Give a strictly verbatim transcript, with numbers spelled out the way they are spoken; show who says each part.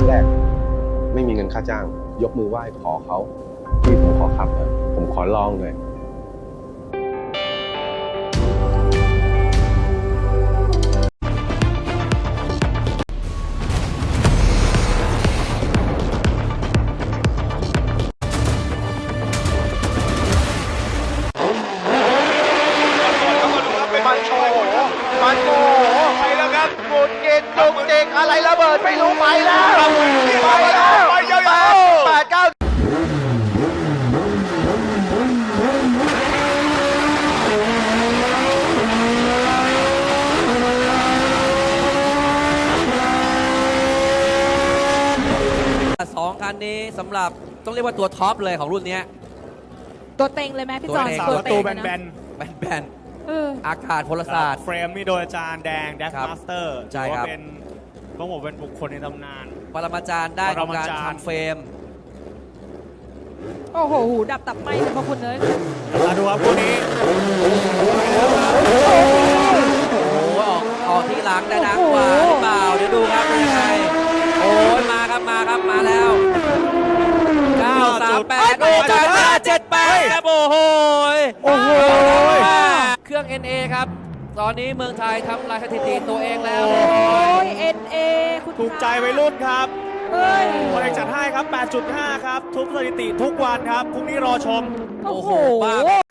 Speaker 1: แรกไม่มีเงินค่าจ้าง ยกมือไหว้ขอเขาพี่ผมขอขับเลยผมขอลองเลย
Speaker 2: มันโชว์มันโชว์ไปแล้วครับหมุนเกินจุกจิกอะไรระเบิดไม่รู้ไปแล้วไปแล้วไปยาวๆแปดเก้า
Speaker 3: สองคันนี้สำหรับต้องเรียกว่าตัวท็อปเลยของรุ่นนี้
Speaker 4: ตัวเต็งเลยไหมพี่จอน
Speaker 3: ตัวเต็ง
Speaker 4: ตัว
Speaker 5: ประตู
Speaker 4: เต็ง
Speaker 5: แบ
Speaker 4: เลย
Speaker 5: น
Speaker 4: นะ
Speaker 5: ๆ
Speaker 3: แบน
Speaker 4: เออ
Speaker 3: ๆอากาศพลศาสตร์
Speaker 5: เฟรมนี่โดยอาจารย์แดงแดฟ
Speaker 3: ครับ
Speaker 5: มาสเตอร์
Speaker 3: ใช่
Speaker 5: ถือ
Speaker 3: ครั
Speaker 5: ว่า
Speaker 3: บ
Speaker 5: เป็นต้องบอกเป็นบุคคลในตำนาน
Speaker 3: ปรมาจารย์ได้ของการ
Speaker 5: ปรมาจารย์
Speaker 3: ทำเฟรม
Speaker 4: โอ้โหหูดับตับไหมเลยพระคุณเลย
Speaker 5: มาดูครับคู่นี้
Speaker 3: โอ้โหออกออกที่หลังได้ดังกว่าหรือเปล่าเดี๋ยวดูครับเป็นยังไงโอ้ยมาครับมาครับมาแล้วเก้าสามแปดโอ้ยจ่ายมาเจ็ดแปดครับโอ้โห
Speaker 5: โอ้โห
Speaker 3: เครื่อง เอ็น เอ ครับ ตอนนี้เมืองไทยทำลายสถิติตัวเองแล้ว
Speaker 4: โอ้ย เอ็น เอ คุณ
Speaker 5: ถูกใจวัยรุ่นครับ
Speaker 4: เฮ้ย
Speaker 5: คนเอกจัดให้ครับ แปดจุดห้า ครับ ทุบสถิติทุกวันครับพรุ่งนี้รอชม
Speaker 4: โอ้โห
Speaker 3: บ้า